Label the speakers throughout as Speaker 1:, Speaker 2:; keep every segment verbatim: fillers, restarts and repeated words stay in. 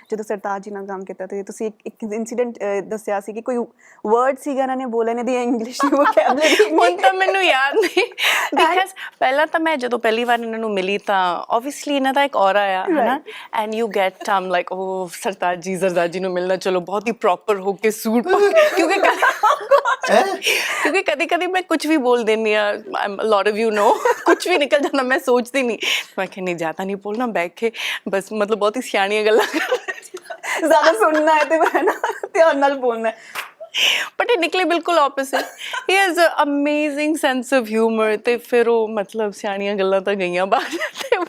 Speaker 1: ਜਦੋਂ ਸਰਤਾਜ ਜੀ ਨਾਲ ਕੰਮ ਕੀਤਾ ਤੇ ਤੁਸੀਂ ਇੱਕ ਇੱਕ ਇਨਸੀਡੈਂਟ ਦੱਸਿਆ ਸੀ ਕਿ ਕੋਈ ਵਰਡ ਸੀਗਾ ਇਹਨਾਂ ਨੇ ਬੋਲੇ ਨੇ ਦੀ ਇੰਗਲਿਸ਼ ਦੀ ਵੋਕੈਬਲਰੀ
Speaker 2: ਹੁਣ ਤਾਂ ਮੈਨੂੰ ਯਾਦ ਨਹੀਂ ਬਿਕਾਜ਼ ਪਹਿਲਾਂ ਤਾਂ ਮੈਂ ਜਦੋਂ ਪਹਿਲੀ ਵਾਰ ਇਹਨਾਂ ਨੂੰ ਮਿਲੀ ਤਾਂ ਆਬਵੀਅਸਲੀ ਇਹਨਾਂ ਦਾ ਇੱਕ ਔਰਾ ਆ ਹਨਾ and you get them like ਉਹ ਸਰਤਾਜ ਜੀ ਸਰਤਾਜ ਜੀ ਨੂੰ ਮਿਲਣਾ ਚਲੋ ਬਹੁਤ ਹੀ ਪ੍ਰੋਪਰ ਹੋ ਕੇ ਸੂਟ ਕਿਉਂਕਿ ਕਿਉਂਕਿ ਕਦੀ ਕਦੀ ਮੈਂ ਕੁਝ ਵੀ ਬੋਲ ਦਿੰਦੀ ਆ ਲੋਟ ਆਫ ਯੂ ਨੋ ਕੁਝ ਵੀ ਨਿਕਲ ਜਾਂਦਾ ਮੈਂ ਸੋਚਦੀ ਨਹੀਂ ਮੈਂ ਕਿ ਨਹੀਂ ਜ਼ਿਆਦਾ ਨਹੀਂ ਬੋਲਣਾ ਬੈਠ ਕੇ ਬਸ ਮਤਲਬ ਬਹੁਤ ਹੀ ਸਿਆਣੀਆਂ ਗੱਲਾਂ
Speaker 1: ਜ਼ਿਆਦਾ ਸੁਣਨਾ ਹੈ ਤੇ ਮੈਂ ਨਾ ਧਿਆਨ ਨਾਲ ਬੋਲਣਾ
Speaker 2: ਬਟ ਇਹ ਨਿਕਲੇ ਬਿਲਕੁਲ ਆਪੋਜ਼ਿਟ ਹੀ has a amazing sense of humour ਤੇ ਫਿਰ ਉਹ ਮਤਲਬ ਸਿਆਣੀਆਂ ਗੱਲਾਂ ਤਾਂ ਗਈਆਂ ਬਾਹਰ ਤੇ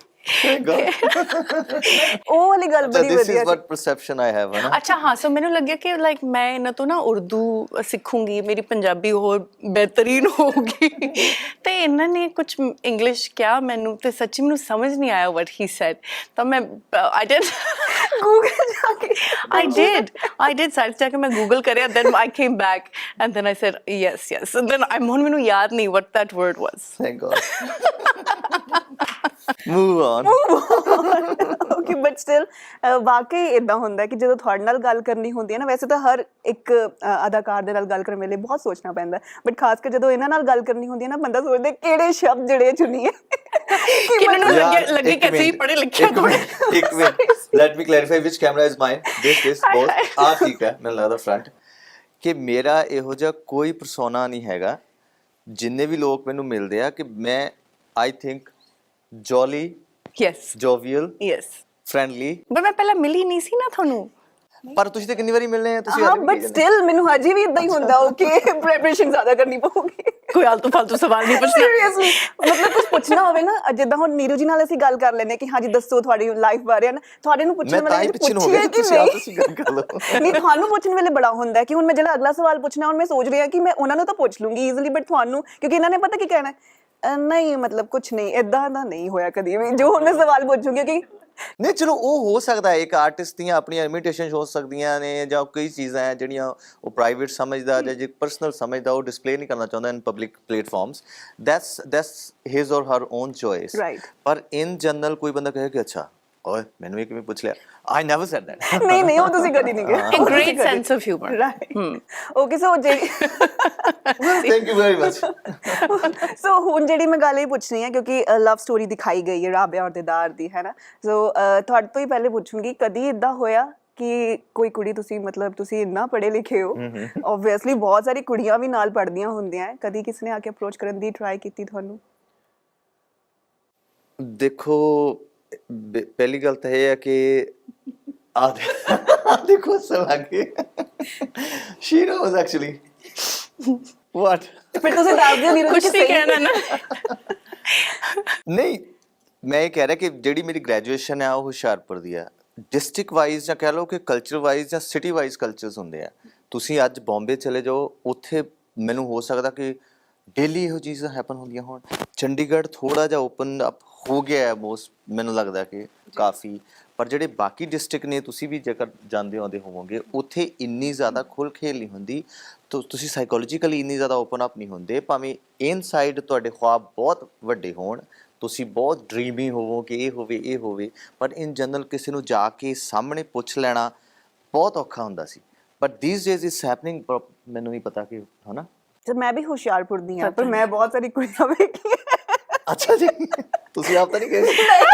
Speaker 1: ਉਹ ਵਾਲੀ ਗੱਲ ਬੜੀ
Speaker 3: this
Speaker 1: ਵਧੀਆ
Speaker 3: is what perception I have ਹੈ ਨਾ
Speaker 2: ਅੱਛਾ ਹਾਂ ਸੋ ਮੈਨੂੰ ਲੱਗਿਆ ਕਿ ਲਾਈਕ ਮੈਂ ਇਹਨਾਂ ਤੋਂ ਨਾ ਉਰਦੂ ਸਿੱਖੂੰਗੀ ਮੇਰੀ ਪੰਜਾਬੀ ਹੋਰ ਬਿਹਤਰੀਨ ਹੋਊਗੀ ਤੇ ਇਹਨਾਂ ਨੇ ਕੁਝ ਇੰਗਲਿਸ਼ ਕਿਹਾ ਮੈਨੂੰ ਤੇ ਸੱਚੀ ਮੈਨੂੰ ਸਮਝ ਨਹੀਂ ਆਇਆ what he said ਤਾਂ ਮੈਂ I did
Speaker 1: ਗੂਗਲ ਜਾ ਕੇ
Speaker 2: I did I did site ਜਾ ਕੇ ਮੈਂ ਗੂਗਲ ਕਰਿਆ then I came back and then I said yes yes and then I'm ਹੁਣ ਮੈਨੂੰ ਯਾਦ ਨਹੀਂ what that word was
Speaker 3: thank God move on
Speaker 1: okay but still ਵਾਕਈ ਇਦਾਂ ਹੁੰਦਾ ਕਿ ਜਦੋਂ ਤੁਹਾਡੇ ਨਾਲ ਗੱਲ ਕਰਨੀ ਹੁੰਦੀ ਹੈ ਨਾ ਵੈਸੇ ਤਾਂ ਹਰ ਇੱਕ ਅਦਾਕਾਰ ਦੇ ਨਾਲ ਗੱਲ ਕਰਨ ਵੇਲੇ ਬਹੁਤ ਸੋਚਣਾ ਪੈਂਦਾ ਬਟ ਖਾਸ ਕਰ ਜਦੋਂ ਇਹਨਾਂ ਨਾਲ ਗੱਲ ਕਰਨੀ ਹੁੰਦੀ ਹੈ ਨਾ ਬੰਦਾ ਸੋਚਦਾ ਕਿਹੜੇ ਸ਼ਬਦ ਜਿਹੜੇ ਚੁਣੀਏ
Speaker 2: ਕਿਹਨਾਂ ਨੂੰ ਲੱਗੇ ਲੱਗੇ ਕਿ ਅਸੀਂ ਪੜ੍ਹੇ ਲਿਖੇ
Speaker 3: ਇੱਕ minute let me clarify which camera is mine this this both ਆ ਠੀਕ ਹੈ ਮੈਨੂੰ ਲੱਗਦਾ ਫਰੰਟ ਕਿ ਮੇਰਾ ਇਹੋ ਜਿਹਾ ਕੋਈ ਪਰਸੋਨਾ ਨਹੀਂ ਹੈਗਾ ਜਿੰਨੇ ਵੀ ਲੋਕ ਮੈਨੂੰ ਮਿਲਦੇ ਆ ਕਿ ਮੈਂ I think jolly
Speaker 2: yes
Speaker 3: jovial
Speaker 2: yes
Speaker 3: friendly
Speaker 2: but ਮੈਂ ਪਹਿਲਾਂ ਮਿਲੀ ਨਹੀਂ ਸੀ ਨਾ ਤੁਹਾਨੂੰ
Speaker 3: ਪਰ ਤੁਸੀਂ ਤਾਂ ਕਿੰਨੀ ਵਾਰੀ ਮਿਲਨੇ ਆ ਤੁਸੀਂ
Speaker 1: ਹਾਂ ਬਟ ਸਟਿਲ ਮੈਨੂੰ ਹਜੇ ਵੀ ਇਦਾਂ ਹੀ ਹੁੰਦਾ ਓਕੇ ਪ੍ਰੈਪਰੇਸ਼ਨ ਜ਼ਿਆਦਾ ਕਰਨੀ ਪਊਗੀ
Speaker 2: ਕੋਈ ਆਲਤੂ ਫਾਲਤੂ ਸਵਾਲ ਨਹੀਂ ਪੁੱਛਣਾ
Speaker 1: ਸੀਰੀਅਸਲੀ ਮਤਲਬ ਕੁਝ ਪੁੱਛਣਾ ਹੋਵੇ ਨਾ ਜਿੱਦਾਂ ਹੁਣ ਨੀਰੂ ਜੀ ਨਾਲ ਅਸੀਂ ਗੱਲ ਕਰ ਲੈਂਦੇ ਕਿ ਹਾਂਜੀ ਦੱਸੋ ਤੁਹਾਡੀ ਲਾਈਫ ਬਾਰੇ ਨਾ ਤੁਹਾਡੇ ਨੂੰ ਪੁੱਛਣ
Speaker 3: ਮੈਂ ਤਾਂ ਹੀ
Speaker 1: ਵੇਲੇ
Speaker 3: ਪਿੱਛੇ ਹੋ ਗਿਆ ਤੁਸੀਂ ਆਪ ਤੁਸੀਂ ਗੱਲ ਕਰ ਲਓ
Speaker 1: ਨਹੀਂ ਤੁਹਾਨੂੰ ਪੁੱਛਣ ਵੇਲੇ ਬੜਾ ਹੁੰਦਾ ਕਿ ਹੁਣ ਮੈਂ ਜਿਹੜਾ ਅਗਲਾ ਸਵਾਲ ਪੁੱਛਣਾ ਹੁਣ ਮੈਂ ਸੋਚ ਰਹੀ ਹਾਂ ਕਿ ਮੈਂ ਉਹਨਾਂ ਨੂੰ ਤਾਂ ਪੁੱਛ ਲੂੰਗੀ ਈਜ਼ੀਲੀ ਬਟ ਤੁਹਾਨੂੰ ਕਿਉਂਕਿ ਇਹਨਾਂ ਨੇ ਪਤਾ ਕੀ ਕਹਿਣਾ ਨਹੀਂ ਮਤਲਬ ਕੁਝ ਨਹੀਂ ਇਦਾਂ ਦਾ ਨਹੀਂ ਹੋਇਆ ਕਦੀ ਵੀ ਜੋ ਹੁਣ ਮੈਂ ਸਵਾਲ ਪੁੱਛੂੰਗੀ ਕਿ
Speaker 3: ਨਹੀਂ ਚਲੋ ਉਹ ਹੋ ਸਕਦਾ ਹੈ ਇੱਕ ਆਰਟਿਸਟ ਦੀਆਂ ਆਪਣੀਆਂ ਲਿਮਿਟੇਸ਼ਨਸ ਹੋ ਸਕਦੀਆਂ ਨੇ ਜਾਂ ਕਈ ਚੀਜ਼ਾਂ ਹੈ ਜਿਹੜੀਆਂ ਉਹ ਪ੍ਰਾਈਵੇਟ ਸਮਝਦਾ ਜਾਂ ਜੇ ਪਰਸਨਲ ਸਮਝਦਾ ਉਹ ਡਿਸਪਲੇ ਨਹੀਂ ਕਰਨਾ ਚਾਹੁੰਦਾ in public platforms that's that's his or her on choice ਪਰ ਇਨ ਜਨਰਲ ਕੋਈ ਬੰਦਾ ਕਹੇ ਕਿ ਅੱਛਾ ਓਏ ਮੈਨੂੰ ਇਹ ਕਿਵੇਂ ਪੁੱਛ ਲਿਆ ਆਈ ਨੈਵਰ ਸੈਡ ਦੈਟ
Speaker 1: ਨਹੀਂ ਨਹੀਂ ਉਹ ਤੁਸੀਂ ਕਦੀ ਨਹੀਂ ਕਿਹਾ
Speaker 2: a great sense of humor
Speaker 1: right okay so ਜਿਹੜੀ
Speaker 3: thank you very much
Speaker 1: so ਹੁਣ ਜਿਹੜੀ ਮੈਂ ਗੱਲ ਇਹ ਪੁੱਛਣੀ ਹੈ ਕਿਉਂਕਿ ਲਵ ਸਟੋਰੀ ਦਿਖਾਈ ਗਈ ਹੈ ਰਾਬਿਆ ਔਰ ਦਿਦਾਰ ਦੀ ਹੈ ਨਾ ਸੋ ਤੁਹਾਡੇ ਤੋਂ ਹੀ ਪਹਿਲੇ ਪੁੱਛੂੰਗੀ ਕਦੀ ਇਦਾਂ ਹੋਇਆ ਕਿ ਕੋਈ ਕੁੜੀ ਤੁਸੀਂ ਮਤਲਬ ਤੁਸੀਂ ਇੰਨਾ ਪੜ੍ਹੇ ਲਿਖੇ ਹੋ ਆਬਵੀਅਸਲੀ ਬਹੁਤ ਸਾਰੀ ਕੁੜੀਆਂ ਵੀ ਨਾਲ ਪੜ੍ਹਦੀਆਂ ਹੁੰਦੀਆਂ ਕਦੀ ਕਿਸੇ ਨੇ ਆ ਕੇ ਅਪਰੋਚ ਕਰਨ ਦੀ ਟਰਾਈ ਕੀਤੀ ਤੁਹਾਨੂੰ
Speaker 3: ਦੇਖੋ ਪਹਿਲੀ ਗੱਲ ਤਾਂ ਇਹ ਹੈ ਕਿ ਆ ਦੇਖੋ ਸਵਾਗੇ ਸ਼ੀ ਨੋਜ਼ ਐਕਚੁਅਲੀ ਵਾਟ
Speaker 1: ਫਿਰ ਤੁਸੀਂ ਦੱਸ ਦਿਓ ਨੀਰੂ
Speaker 2: ਕੁਝ ਨਹੀਂ ਕਹਿਣਾ ਨਾ
Speaker 3: ਨਹੀਂ ਮੈਂ ਇਹ ਕਹਿ ਰਿਹਾ ਕਿ ਜਿਹੜੀ ਮੇਰੀ ਗ੍ਰੈਜੂਏਸ਼ਨ ਹੈ ਉਹ ਹੁਸ਼ਿਆਰਪੁਰ ਦੀ ਆ ਡਿਸਟ੍ਰਿਕਟ ਵਾਈਜ਼ ਜਾਂ ਕਹਿ ਲਓ ਕਿ ਕਲਚਰ ਵਾਈਜ਼ ਜਾਂ ਸਿਟੀ ਵਾਈਜ਼ ਕਲਚਰਸ ਹੁੰਦੇ ਆ ਤੁਸੀਂ ਅੱਜ ਬੰਬੇ ਚਲੇ ਜਾਓ ਉੱਥੇ ਮੈਨੂੰ ਹੋ ਸਕਦਾ ਕਿ ਡੇਲੀ ਇਹੋ ਚੀਜ਼ਾਂ ਹੈਪਨ ਹੁੰਦੀਆਂ ਹੋਣ ਚੰਡੀਗੜ੍ਹ ਥੋੜਾ ਜਿਹਾ ਓਪਨ ਅਪ ਹੋ ਗਿਆ ਹੈ ਮੋਸਟ ਮੈਨੂੰ ਲੱਗਦਾ ਕਿ ਕਾਫੀ ਪਰ ਜਿਹੜੇ ਬਾਕੀ ਡਿਸਟ੍ਰਿਕਟ ਨੇ ਤੁਸੀਂ ਵੀ ਜੇਕਰ ਜਾਂਦੇ ਆਉਂਦੇ ਹੋਵੋਗੇ ਉੱਥੇ ਇੰਨੀ ਜ਼ਿਆਦਾ ਖੁੱਲ੍ਹ ਖੇਲ ਨਹੀਂ ਹੁੰਦੀ ਤਾਂ ਤੁਸੀਂ ਸਾਈਕੋਲੋਜੀਕਲੀ ਇੰਨੀ ਜ਼ਿਆਦਾ ਓਪਨ ਅਪ ਨਹੀਂ ਹੁੰਦੇ ਭਾਵੇਂ ਇਨਸਾਈਡ ਤੁਹਾਡੇ ਖੁਆਬ ਬਹੁਤ ਵੱਡੇ ਹੋਣ ਤੁਸੀਂ ਬਹੁਤ ਡਰੀਮੀ ਹੋਵੋ ਕਿ ਇਹ ਹੋਵੇ ਇਹ ਹੋਵੇ ਪਰ ਇਨ ਜਨਰਲ ਕਿਸੇ ਨੂੰ ਜਾ ਕੇ ਸਾਹਮਣੇ ਪੁੱਛ ਲੈਣਾ ਬਹੁਤ ਔਖਾ ਹੁੰਦਾ ਸੀ but these days is happening ਮੈਨੂੰ ਨਹੀਂ ਪਤਾ ਕਿ ਹੈ ਨਾ
Speaker 1: ਤੇ ਮੈਂ ਵੀ ਹੁਸ਼ਿਆਰਪੁਰ ਦੀ ਹਾਂ ਪਰ ਮੈਂ ਬਹੁਤ ਸਾਰੀ ਕੁੜੀਆਂ ਵੇਖੀਆਂ
Speaker 3: ਅੱਛਾ ਜੀ ਤੁਸੀਂ ਆਪ ਤਾਂ ਨਹੀਂ ਗਏ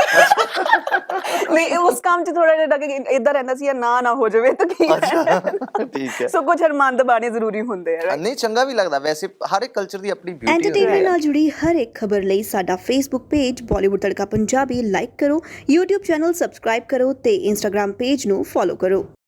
Speaker 1: ਨਹੀਂ ਉਸ ਕੰਮ 'ਚ ਥੋੜਾ ਜਿਹਾ ਕਿ ਇਦਾਂ ਰਹਿੰਦਾ ਸੀ ਨਾ ਨਾ ਹੋ ਜਾਵੇ ਤਾਂ ਕੀ
Speaker 3: ਠੀਕ ਹੈ
Speaker 1: ਸੋ ਕੁਝ ਅਰਮਾਨ ਦਬਾਣੇ ਜ਼ਰੂਰੀ ਹੁੰਦੇ ਆ
Speaker 3: ਨਹੀਂ ਚੰਗਾ ਵੀ ਲੱਗਦਾ ਵੈਸੇ ਹਰ ਇੱਕ ਕਲਚਰ ਦੀ ਆਪਣੀ ਬਿਊਟੀ ਹੁੰਦੀ ਹੈ
Speaker 4: ਐਂਟਰਟੇਨਮੈਂਟ ਨਾਲ ਜੁੜੀ ਹਰ ਇੱਕ ਖਬਰ ਲਈ ਸਾਡਾ Facebook page Bollywood Tadka Punjabi like ਕਰੋ YouTube ਚੈਨਲ ਸਬਸਕ੍ਰਾਈਬ ਕਰੋ ਤੇ Instagram ਪੇਜ ਨੂੰ ਫੋਲੋ ਕਰੋ